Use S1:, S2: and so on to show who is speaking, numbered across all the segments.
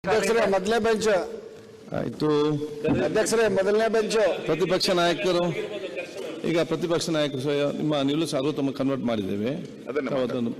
S1: ಅಧ್ಯಕ್ಷರೇ ಮೊದಲನೇ ಬೆಂಚ್
S2: ಆಯ್ತು.
S1: ಅಧ್ಯಕ್ಷರೇ ಮೊದಲನೇ ಬೆಂಚ್
S2: ಪ್ರತಿಪಕ್ಷ ನಾಯಕರು ಈಗ ಪ್ರತಿಪಕ್ಷ ನಾಯಕರು ನಿಮ್ಮ ನಿಲುವು ಸರ್ವೋತ್ತಮ ಕನ್ವರ್ಟ್ ಮಾಡಿದ್ದೇವೆ. ಅದನ್ನು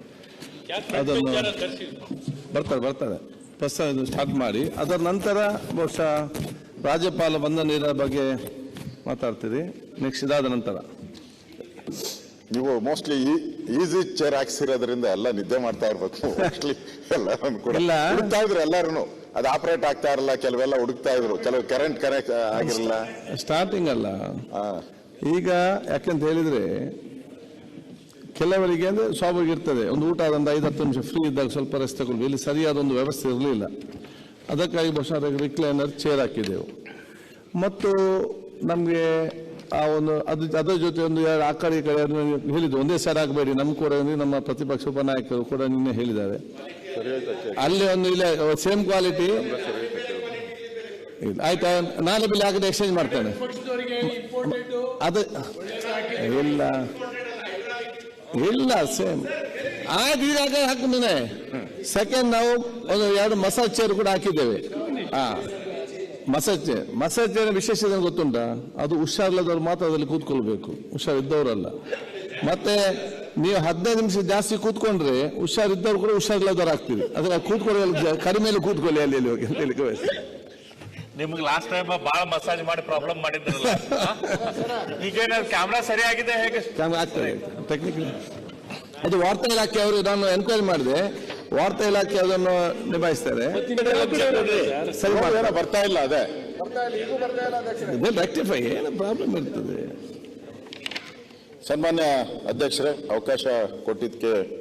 S2: ಬರ್ತಾರೆ ಪ್ರಸ್ತಾವ ಸ್ಟಾರ್ಟ್ ಮಾಡಿ ಅದರ ನಂತರ ಬಹುಶಃ ರಾಜ್ಯಪಾಲ ವಂದನೆಯ ಬಗ್ಗೆ ಮಾತಾಡ್ತೀರಿ. ನೆಕ್ಸ್ಟ್ ಇದಾದ ನಂತರ
S3: ನೀವು ಮೋಸ್ಟ್ಲಿ ಈಸಿ ಚೇರ್ ಹಾಕ್ಸಿರೋದ್ರಿಂದ ಎಲ್ಲ ನಿದ್ದೆ ಮಾಡ್ತಾ ಇರ್ಬೇಕು. ಮೋಸ್ಟ್ಲಿ ಎಲ್ಲರೂ ಕೂಡ ಹುಡುಕ್ತಾ ಇದ್ರು, ಎಲ್ಲರೂ ಅದು ಆಪರೇಟ್ ಆಗ್ತಾ ಇರಲ್ಲ, ಕೆಲವೆಲ್ಲ ಹುಡುಕ್ತಾ ಇದ್ರು, ಕೆಲವು ಕರೆಂಟ್ ಕನೆಕ್ಟ್ ಆಗಿರಲ್ಲ.
S2: ಸ್ಟಾರ್ಟಿಂಗ್ ಅಲ್ಲ ಈಗ, ಯಾಕಂತ ಹೇಳಿದ್ರೆ ಕೆಲವರಿಗೆ ಅಂದ್ರೆ ಸ್ವಾಭಾವಿಕ ಇರ್ತದೆ, ಒಂದು ಊಟ ಒಂದು 5-10 ನಿಮಿಷ ಫ್ರೀ ಇದ್ದಾಗ ಸ್ವಲ್ಪ ರೆಸ್ಟ್ ತಗೊಳ್ಳಿ. ಇಲ್ಲಿ ಸರಿಯಾದ ಒಂದು ವ್ಯವಸ್ಥೆ ಇರಲಿಲ್ಲ, ಅದಕ್ಕಾಗಿ ಬಹುಶಃ ರಿಕ್ಲೈನರ್ ಚೇರ್ ಹಾಕಿದೆವು. ಮತ್ತು ನಮಗೆ ಆ ಒಂದು ಅದರ ಜೊತೆ ಒಂದು ಆ ಕಡೆ ಈ ಕಡೆ ಹೇಳಿದ್ದು ಒಂದೇ ಸೈಡ್ ಆಗಬೇಡಿ. ನಮ್ಮ ಕೂಡ ನಮ್ಮ ಪ್ರತಿಪಕ್ಷ ಉಪನಾಯಕರು ಕೂಡ ನಿನ್ನೆ ಹೇಳಿದ್ದಾರೆ, ಅಲ್ಲಿ ಒಂದು ಇಲ್ಲ ಸೇಮ್ ಕ್ವಾಲಿಟಿ ಆಯ್ತಾ, ನಾಳೆ ಬಿಲ್ ಆಗದೆ ಎಕ್ಸ್ಚೇಂಜ್ ಮಾಡ್ತೇನೆ. ಅದು ಇಲ್ಲ ಸೇಮ್ ಆಯ್ತು, ಈಗ ಹಾಕಿದ್ದೇನೆ. ಸೆಕೆಂಡ್ ನಾವು ಒಂದು 2 ಮಸಾಜ್ ಚೇರ್ ಕೂಡ ಹಾಕಿದ್ದೇವೆ. ಮಸಾಜ್ ಚೇರ್ ವಿಶೇಷತೆ ಗೊತ್ತುಂಟಾ? ಅದು ಹುಷಾರಿಲ್ಲದವ್ರು ಮಾತ್ರ ಅದರಲ್ಲಿ ಕೂತ್ಕೊಳ್ಬೇಕು, ಹುಷಾರಿದ್ದವರಲ್ಲ. ಮತ್ತೆ ನೀವು 15 ನಿಮಿಷ ಜಾಸ್ತಿ ಕೂತ್ಕೊಂಡ್ರೆ ಹುಷಾರಿದ್ದವ್ರು ಕೂಡ ಹುಷಾರಿಲ್ಲದವ್ರು ಆಗ್ತೀವಿ. ಅದಕ್ಕೆ ಕೂತ್ಕೊಳ್ಳಿ, ಕಡಿಮೆ ಕೂತ್ಕೊಳ್ಳಿ ಅಲ್ಲಿ ಹೋಗಿ ಅಂತ ಹೇಳಿ.
S4: ನಿಮ್ಗೆ ಲಾಸ್ಟ್ ಟೈಮ್ ಬಹಳ ಮಸಾಜ್ ಮಾಡಿ ಪ್ರಾಬ್ಲಮ್ ಮಾಡಿದ್ರಲ್ಲ, ಈಗ ಕ್ಯಾಮ್ರಾ ಸರಿಯಾಗಿದೆ ಹೇಗೆ?
S2: ಕ್ಯಾಮ್ರಾ ಆಗ್ತದೆ ಟೆಕ್ನಿಕಲಿ. ಅದು ವಾರ್ತಾ ಇಲಾಖೆ ಅವರು, ನಾನು ಎನ್ಕ್ವೈರಿ ಮಾಡಿದೆ, ವಾರ್ತಾ ಇಲಾಖೆ ಅದನ್ನು ನಿಭಾಯಿಸ್ತಾರೆ.
S3: ಸರಿ ಬರ್ತಾ ಇಲ್ಲ, ಅದೇ
S2: ರೆಕ್ಟಿಫೈ ಏನು ಪ್ರಾಬ್ಲಮ್ ಇರ್ತದೆ.
S3: ಸನ್ಮಾನ್ಯ ಅಧ್ಯಕ್ಷರೇ, ಅವಕಾಶ ಕೊಟ್ಟಿದ್ದಕ್ಕೆ